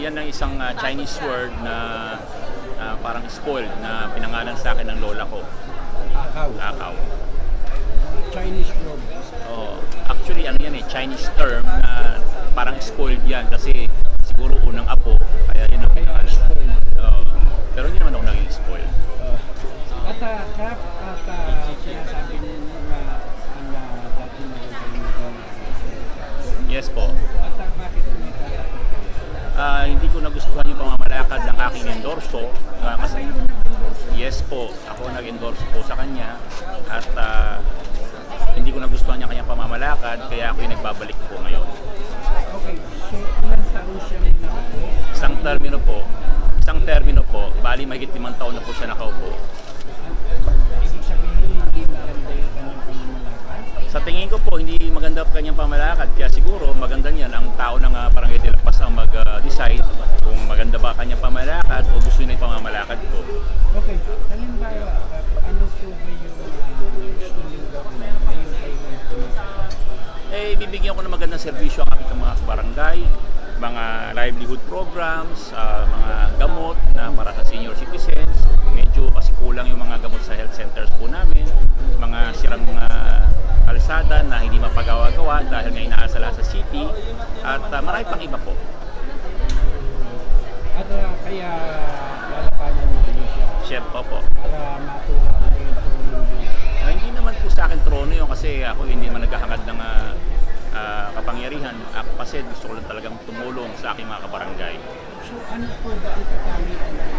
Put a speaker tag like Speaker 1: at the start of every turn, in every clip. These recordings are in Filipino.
Speaker 1: yan ang isang Chinese word na parang spoiled na pinangalan sa akin ng lola ko.
Speaker 2: Akaw.
Speaker 1: Akaw.
Speaker 2: Chinese word.
Speaker 1: Oh, actually ano yan Chinese term na parang spoiled yan kasi siguro unang apo kaya yun ang pinangalan. Pero hindi naman ako naging spoiled.
Speaker 2: Kap, sinasabi ninyo na ang dati na
Speaker 1: Yes po.
Speaker 2: At bakit
Speaker 1: Hindi ko nagustuhan yung pamamalakad ng aking endorso kasi yes po, ako nag-endorse po sa kanya at hindi ko nagustuhan niya kanyang pamamalakad kaya ako yung nagbabalik po ngayon.
Speaker 2: Okay, so ilang taon siya nakaupo?
Speaker 1: Isang termino po, bali mahigit 5 taon na po siya nakaupo.
Speaker 2: Ibig sabihin hindi maganda yung kanyang pamamalakad?
Speaker 1: Sa tingin ko po, hindi maganda ang kanyang pamamalakad kaya siguro maganda niyan ang tao ng Barangay de la Paz ang mag-decide kung maganda ba kanyang pamamalakad o gusto niya yung pamamalakad ko.
Speaker 2: Okay, halimbawa, ano po ba yung gusto niyo gawin ngayon kayo
Speaker 1: Bibigyan ko ng magandang serbisyo ang aking mga barangay, mga livelihood programs, mga gamot na para sa senior citizens. Medyo kasi kulang yung mga gamot sa health centers po namin, mga sirang kalsada na hindi mapagawa-gawa dahil nga inaasala sa city at marami pang iba po.
Speaker 2: At kaya lalapanan niyo siya
Speaker 1: Chef po.
Speaker 2: para matuwa na yung tulong niyo.
Speaker 1: Hindi naman po sa akin trono yun kasi ako hindi naman naghahangad ng kapangyarihan. Ako kasi gusto ko lang talagang tumulong sa aking mga kabarangay.
Speaker 2: So ano po ba ang katangian ng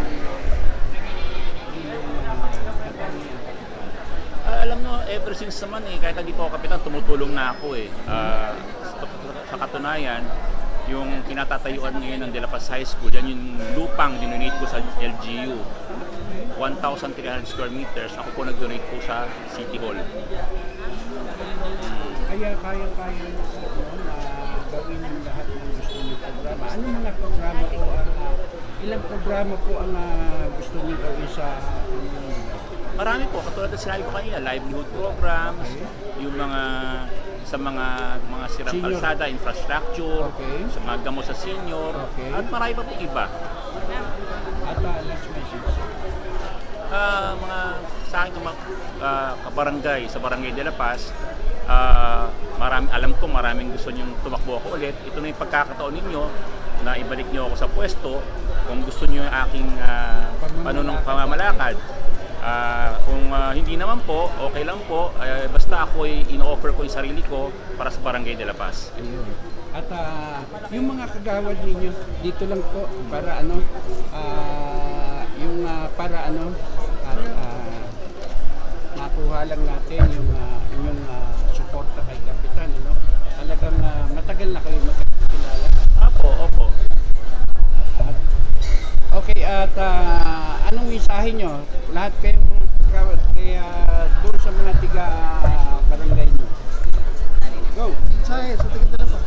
Speaker 1: Alam mo, ever since naman kahit hindi po ako kapitan, tumutulong na ako sa katunayan, yung kinatatayuan ngayon ng De La Paz High School, yan yung lupang dinonate ko sa LGU. 1,300 square meters, ako po nag-donate po sa City Hall.
Speaker 2: Kaya kayang-kaya niyo po na gawin yung lahat ng gusto niyo programa. Ano mga programa po ilang programa po ang gusto niyo gawin sa
Speaker 1: Marami po, katulad na sinabi ko kanina, livelihood programs, yung sa mga sirang
Speaker 2: Senior.
Speaker 1: kalsada, infrastructure,
Speaker 2: Okay.
Speaker 1: sa mga gamot sa senior,
Speaker 2: Okay.
Speaker 1: at marami pa po iba.
Speaker 2: at last message?
Speaker 1: Mga sa akin kabarangay, sa Barangay de la Paz, alam ko maraming gusto niyong tumakbo ako ulit. Ito na yung pagkakataon ninyo na ibalik niyo ako sa pwesto kung gusto niyo yung aking pamamalakad. Kung hindi naman po, okay lang po. Basta ako ino-offer ko yung sarili ko para sa Barangay de la Paz.
Speaker 2: Ayun. At yung mga kagawad ninyo dito lang po para makuha lang natin yung inyong suporta kay Kapitan, Talagang matagal na kayo magkakilala.
Speaker 1: Opo.
Speaker 2: Okay, at anong mensahe nyo? Lahat kayong mga kagawad, kaya doon sa mga tiga barangay nyo. Go!
Speaker 3: Mensahe sa taga-dala pa.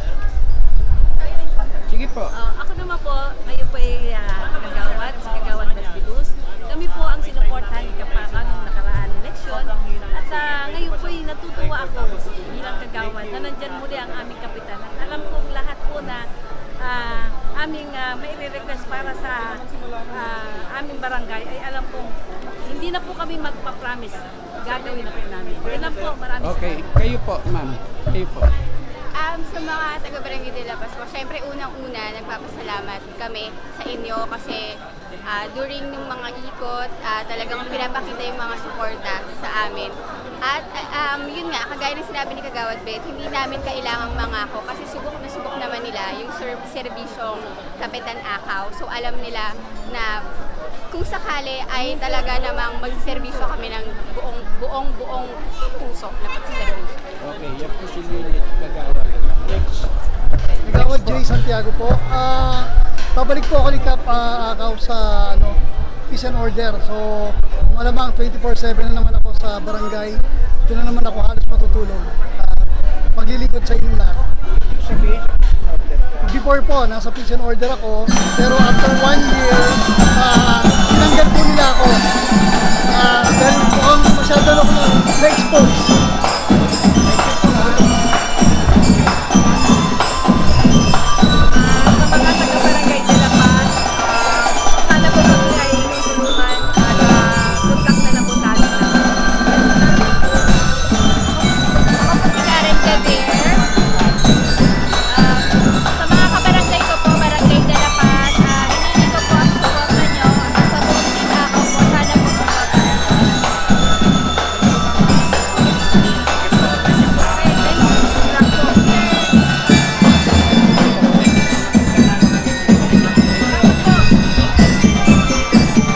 Speaker 2: Sige po.
Speaker 4: Ako naman po, ngayon po ay kagawad, si Kagawad Basbilus. Kami po ang sinuportahan ni Kapaka nung nakaraan eleksyon. At ngayon po ay natutuwa ako bilang kagawad na nandyan muli ang aming kapitan. At alam kong lahat po na aming may request para sa aming barangay ay alam kong hindi na po kami magpa-promise. Gagawin na po namin. Yun lang po, maraming
Speaker 2: Okay,
Speaker 4: salamat.
Speaker 2: kayo po, ma'am. Kayo po.
Speaker 5: Sa mga taga-Barangay de la Paz po, syempre unang-una nagpapasalamat kami sa inyo kasi during ng mga ikot, talagang pinapakita yung mga suporta sa amin. At yun nga, kagaya ng sinabi ni Kagawad Beth, hindi namin kailangang mangako kasi subok na subok naman nila yung serbisyong Kapitan Akaw. So alam nila na kung sakali ay talaga namang magserbisyo kami ng buong puso na pagserbisyo.
Speaker 2: Okay, yan po si Lilith Kagawad. Next.
Speaker 3: Nagawad Jay Santiago po. Pabalik po ako ni Kap Akaw sa peace and order. So, malamang 24/7 na naman ako sa barangay. Doon na naman ako halos matutulog. Paglilingkod sa inyo lahat.
Speaker 2: Sabihin,
Speaker 3: Before po, nasa peace and order ako. Pero after 1 year, tinanggal po nila ako. Dahil mukhang masyado ako na-expose.